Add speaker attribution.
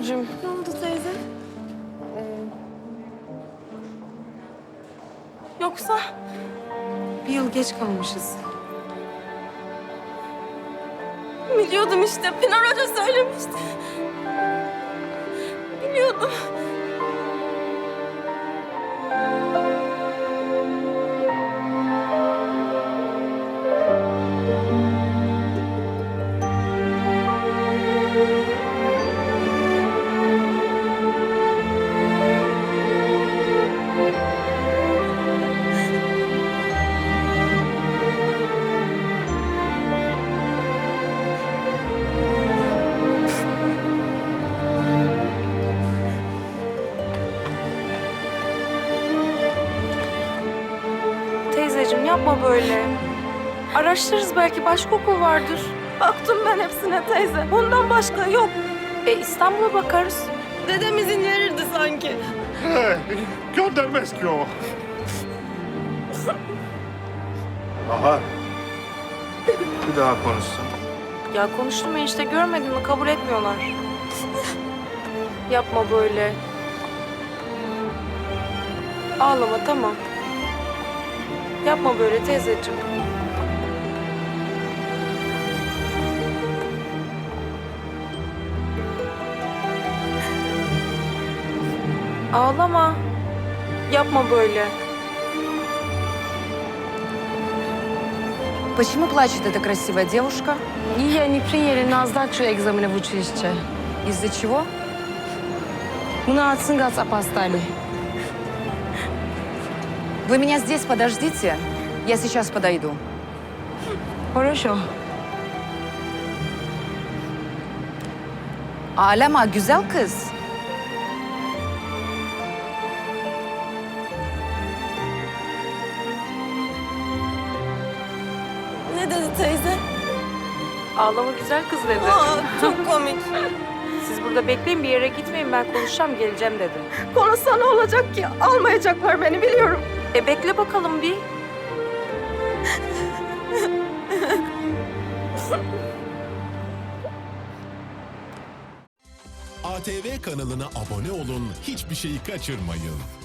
Speaker 1: teyzeciğim.
Speaker 2: Ne oldu teyze? Yoksa
Speaker 1: Bir yıl geç kalmışız.
Speaker 2: biliyordum işte. Pınar Hoca söylemişti. Biliyordum.
Speaker 1: Teyzeciğim yapma böyle. Araştırırız, belki başka okul vardır.
Speaker 2: Baktım ben hepsine teyze. Ondan başka yok.
Speaker 1: İstanbul'a bakarız.
Speaker 2: Dedem izin verirdi sanki.
Speaker 3: Göndermez ki o. Bahar. Bir daha konuşsun.
Speaker 1: Ya konuştum enişte, görmedin mi? Kabul etmiyorlar. Yapma böyle. Ağlama, tamam. Yapma böyle teyzeciğim. Ağlama. Yapma böyle.
Speaker 4: Почему плачет эта красивая девушка?
Speaker 5: Ее не приняли на сдачу экзамена в училище.
Speaker 4: Из-за чего?
Speaker 5: Мы на Цингас опоздали.
Speaker 4: Вы меня здесь подождите, я сейчас подойду.
Speaker 5: Хорошо.
Speaker 4: Ağlama güzel kız.
Speaker 2: Ne dedi teyze?
Speaker 1: Ağlama güzel kız dedi.
Speaker 2: Aa, çok komik.
Speaker 1: Siz burada bekleyin, bir yere gitmeyin, ben konuşacağım, geleceğim dedi.
Speaker 2: Konuşsa ne olacak ki? Almayacaklar beni biliyorum.
Speaker 1: Bekle bakalım bir.
Speaker 6: ATV kanalına abone olun, hiçbir şeyi kaçırmayın.